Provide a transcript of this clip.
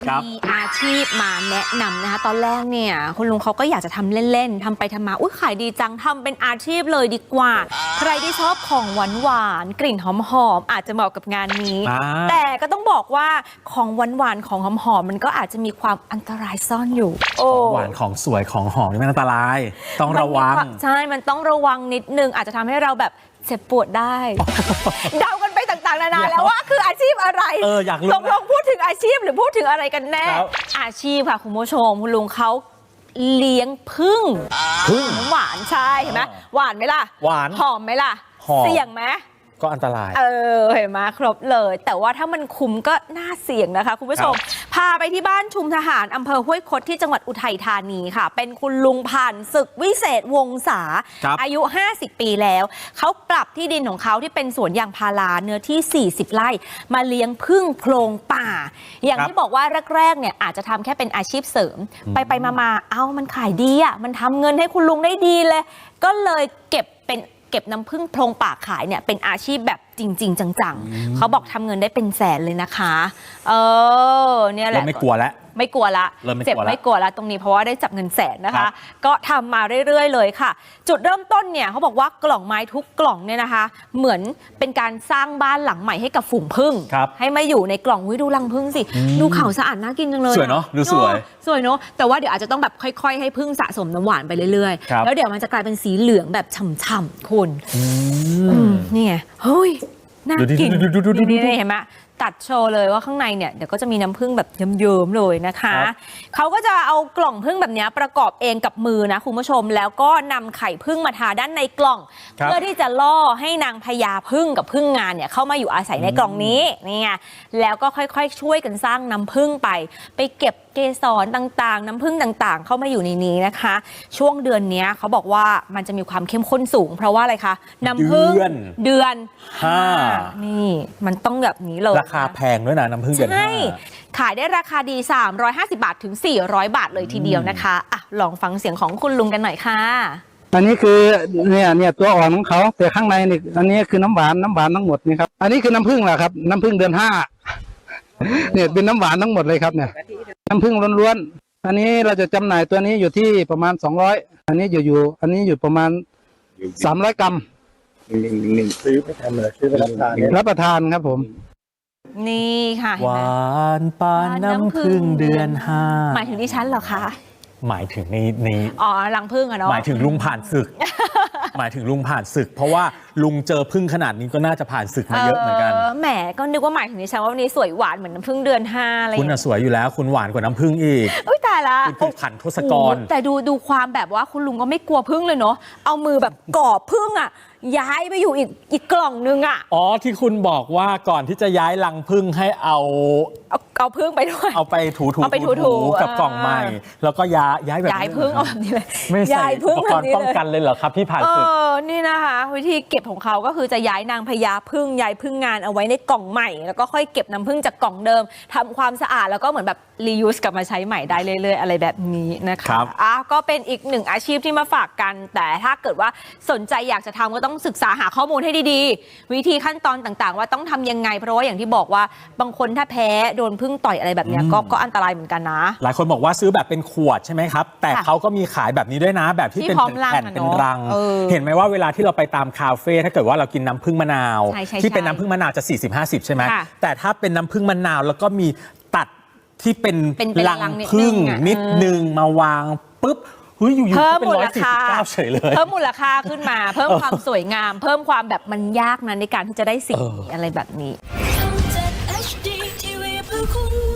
มีอาชีพมาแนะนำนะคะตอนแรกเนี่ยคุณลุงเขาก็อยากจะทำเล่นๆทำไปทำมาขายดีจังทำเป็นอาชีพเลยดีกว่าใครที่ชอบของหวานๆกลิ่นหอมๆอาจจะเหมาะกับงานนี้แต่ก็ต้องบอกว่าของหวานๆของหอมๆมันก็อาจจะมีความอันตรายซ่อนอยู่ของหวานของสวยของหอมนี่มันอันตรายต้องระวังใช่มันต้องระวังนิดนึงอาจจะทำให้เราแบบเจ็บปวดได้ เดากันไปต่างๆนานาแล้วว่าคืออาชีพอะไรอยากรู้ตกลงพูดถึงอาชีพหรือพูดถึงอะไรกันแน่อาชีพค่ะคุณผู้ชมคุณลุงเขาเลี้ยงผึ้งหวานใช่เห็นไหมหวานไหมล่ะหวานหอมไหมล่ะเสี่ยงไหมก็อันตรายเห็นไหมครบเลยแต่ว่าถ้ามันคุ้มก็น่าเสี่ยงนะคะคุณผู้ชมพาไปที่บ้านชุมทหารอำเภอห้วยคดที่จังหวัดอุทัยธานีค่ะเป็นคุณลุงผ่านศึกวิเศษวงศาอายุ50 ปีแล้วเขาปรับที่ดินของเขาที่เป็นสวนยางพาราเนื้อที่40 ไร่มาเลี้ยงผึ้งโพรงป่าอย่างที่บอกว่าแรกๆเนี่ยอาจจะทำแค่เป็นอาชีพเสริมไปมามันขายดีอ่ะมันทำเงินให้คุณลุงได้ดีเลยก็เลยเก็บน้ำผึ้งโพรงป่าขายเนี่ยเป็นอาชีพแบบจริงๆจังๆเขาบอกทำเงินได้เป็นแสนเลยนะคะเนี่ยแหละไม่กลัวแล้วไม่กลัวละเจ็บไม่กลัวละตรงนี้เพราะว่าได้จับเงินแสนนะคะก็ทำมาเรื่อยๆเลยค่ะจุดเริ่มต้นเนี่ยเขาบอกว่ากล่องไม้ทุกกล่องเนี่ยนะคะเหมือนเป็นการสร้างบ้านหลังใหม่ให้กับฝูงผึ้งให้มาอยู่ในกล่องดูรังผึ้งสิดูขาวสะอาดน่ากินจังเลยสวยเนาะดูสวยเนาะแต่ว่าเดี๋ยวอาจจะต้องแบบค่อยๆให้ผึ้งสะสมน้ำหวานไปเรื่อยๆแล้วเดี๋ยวมันจะกลายเป็นสีเหลืองแบบฉ่ำๆคุณนี่ไงเฮ้ยน่ากินนี่เห็นไหมตัดโชว์เลยว่าข้างในเนี่ยเดี๋ยวก็จะมีน้ำผึ้งแบบเยิ้มๆเลยนะคะเขาก็จะเอากล่องผึ้งแบบนี้ประกอบเองกับมือนะคุณผู้ชมแล้วก็นำไข่ผึ้งมาทาด้านในกล่องเพื่อที่จะล่อให้นางพญาผึ้งกับผึ้งงานเนี่ยเข้ามาอยู่อาศัยในกล่องนี้นี่ไงแล้วก็ค่อยๆช่วยกันสร้างน้ำผึ้งไปเก็บเกสรต่างๆน้ำผึ้งต่างๆเข้ามาอยู่ในนี้นะคะช่วงเดือนนี้เขาบอกว่ามันจะมีความเข้มข้นสูงเพราะว่าอะไรคะน้ำผึ้งเดือน5นี่มันต้องแบบนี้เลยราคาแพงด้วยนะน้ำผึ้งเดือน 5ขายได้ราคาดี350 บาทถึง400 บาทเลยทีเดียวนะคะลองฟังเสียงของคุณลุงกันหน่อยค่ะอันนี้คือเนี่ยตัวอ่อนของเขาแต่ข้างในนี่อันนี้คือน้ำหวานทั้งหมดนี่ครับอันนี้คือน้ำผึ้งแหละครับน้ำผึ้งเดือน5เนี่ยเป็นน้ำหวานทั้งหมดเลยครับเนี่ยน้ำผึ้งล้วนๆอันนี้เราจะจำหน่ายตัวนี้อยู่ที่ประมาณ200อันนี้อยู่ประมาณ300 กรัมซื้อไปทำอะไรซื้อไปรับประทานครับผมนี่ค่ะหวานปานน้ำผึ้งเดือน5 หมายถึงดิฉันเหรอคะหมายถึงในรังผึ้งอะเนาะหมายถึงลุงผ่านศึก หมายถึงลุงผ่านศึกเพราะว่าลุงเจอผึ้งขนาดนี้ก็น่าจะผ่านศึกมาเยอะเหมือนกันแหมก็นึกว่าหมายถึงดิฉันว่าวันนี้สวยหวานเหมือนน้ำผึ้งเดือน5อะไรคุณสวยอยู่แล้วคุณหวานกว่าน้ำผึ้งอีกตายละคุณคือขันทศกรแต่ดูความแบบว่าคุณลุงก็ไม่กลัวผึ้งเลยเนาะเอามือแบบกอบผึ้งอะย้ายไปอยู่อีกกล่องนึงอะที่คุณบอกว่าก่อนที่จะย้ายรังผึ้งให้เอาผึ้งไปด้วยเอาไปถูกับกล่องใหม่แล้วก็ย้ายแบบย้ายผึ้งเอาแบบนี้เลยไม่ใส่อุปกรณ์ป้องกันเลยเหรอครับพี่ผ่านศึกนี่นะคะวิธีเก็บของเขาก็คือจะย้ายนางพญาผึ้งย้ายผึ้งงานเอาไว้ในกล่องใหม่แล้วก็ค่อยเก็บน้ำผึ้งจากกล่องเดิมทำความสะอาดแล้วก็เหมือนแบบรียูสกลับมาใช้ใหม่ได้เรื่อยๆอะไรแบบนี้นะคะก็เป็นอีกหนึ่งอาชีพที่มาฝากกันแต่ถ้าเกิดว่าสนใจอยากจะทำก็ต้องศึกษาหาข้อมูลให้ดีๆวิธีขั้นตอนต่างๆว่าต้องทำยังไงเพราะว่าอย่างที่บอกว่าบางคนถ้าแพ้โดนผึ้งต่อยอะไรแบบนี้ก็อันตรายเหมือนกันนะหลายคนบอกว่าซื้อแบบเป็นขวดใช่ไหมครับแต่เขาก็มีขายแบบนี้ด้วยนะแบบที่เป็นแผ่นเป็นรังเห็นไหมว่าเวลาที่เราไปตามคาเฟ่ถ้าเกิดว่าเรากินน้ำผึ้งมะนาวที่เป็นน้ำผึ้งมะนาวจะ40-50ใช่ไหมแต่ถ้าเป็นน้ำผึ้งมะนาวแล้วก็มีตัดที่เป็นรังผึ้งนิดนึงมาวางปุ๊บอยู่ๆเป็น149เฉยเลยเพิ่มมูลค่าขึ้นมาเพิ่มความสวยงามเพิ่มความแบบมันยากนั้นในการที่จะได้สิ่งอะไรแบบนี้